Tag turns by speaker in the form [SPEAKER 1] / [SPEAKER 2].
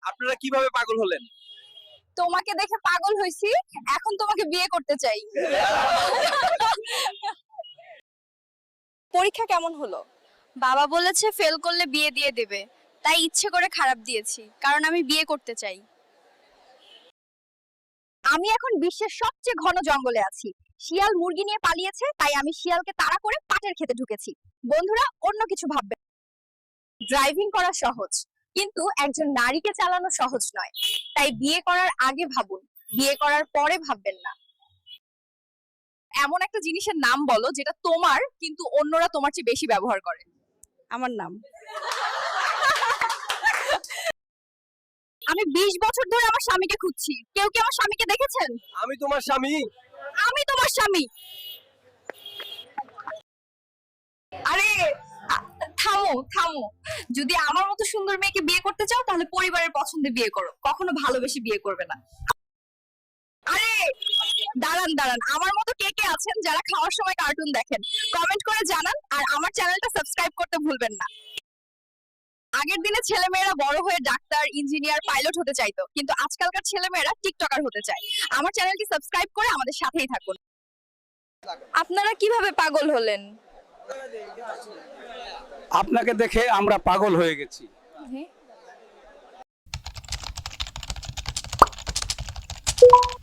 [SPEAKER 1] আপনারা কিভাবে পাগল হলেন?
[SPEAKER 2] তোমাকে দেখে পাগল হইছি, এখন তোমাকে বিয়ে করতে চাই। পরীক্ষা কেমন হলো? বাবা বলেছে ফেল করলে বিয়ে দিয়ে দেবে, তাই ইচ্ছে করে খারাপ দিয়েছি, কারণ আমি বিয়ে করতে চাই। আমি এখন বিশ্বের সবচেয়ে ঘন জঙ্গলে আছি। শিয়াল মুরগি নিয়ে পালিয়েছে, তাই আমি শিয়ালকে তাড়া করে পাটের খেতে ঢুকেছি। বন্ধুরা অন্য কিছু ভাববে। ড্রাইভিং করা সহজ, কিন্তু একজন নারীকে চালানো সহজ নয়। তাই বিয়ে করার আগে ভাবুন, বিয়ে করার পরে ভাববেন না। এমন একটা জিনিসের নাম বলো যেটা তোমার কিন্তু অন্যরা তোমার চেয়ে বেশি ব্যবহার করে। আমার নাম। আমি 20 বছর ধরে আমার স্বামীকে খুঁজছি। কেউ কি আমার স্বামীকে দেখেছেন?
[SPEAKER 1] আমি তোমার স্বামী।
[SPEAKER 2] আমি তোমার স্বামী। আরে থামো থামো, যদি আমার মতো সুন্দর মেয়েকে বিয়ে করতে চাও তাহলে পরিবারের পছন্দে বিয়ে করো, কখনো ভালোবেসে বিয়ে করবে না। আরে দাঁড়ান দাঁড়ান, আমার মতো কে কে আছেন যারা খাওয়ার সময় কার্টুন দেখেন? কমেন্ট করে জানান, আর আমার চ্যানেলটা সাবস্ক্রাইব করতে ভুলবেন না। আগের দিনে ছেলেমেয়েরা বড় হয়ে ডাক্তার, ইঞ্জিনিয়ার, পাইলট হতে চাইতো, কিন্তু আজকালকার ছেলেমেয়েরা টিকটকার হতে চায়। আমার চ্যানেলটি সাবস্ক্রাইব করে আমাদের সাথেই থাকুন। আপনারা কিভাবে পাগল হলেন?
[SPEAKER 3] আপনাকে দেখে আমরা পাগল হয়ে গেছি।
[SPEAKER 2] হ্যাঁ।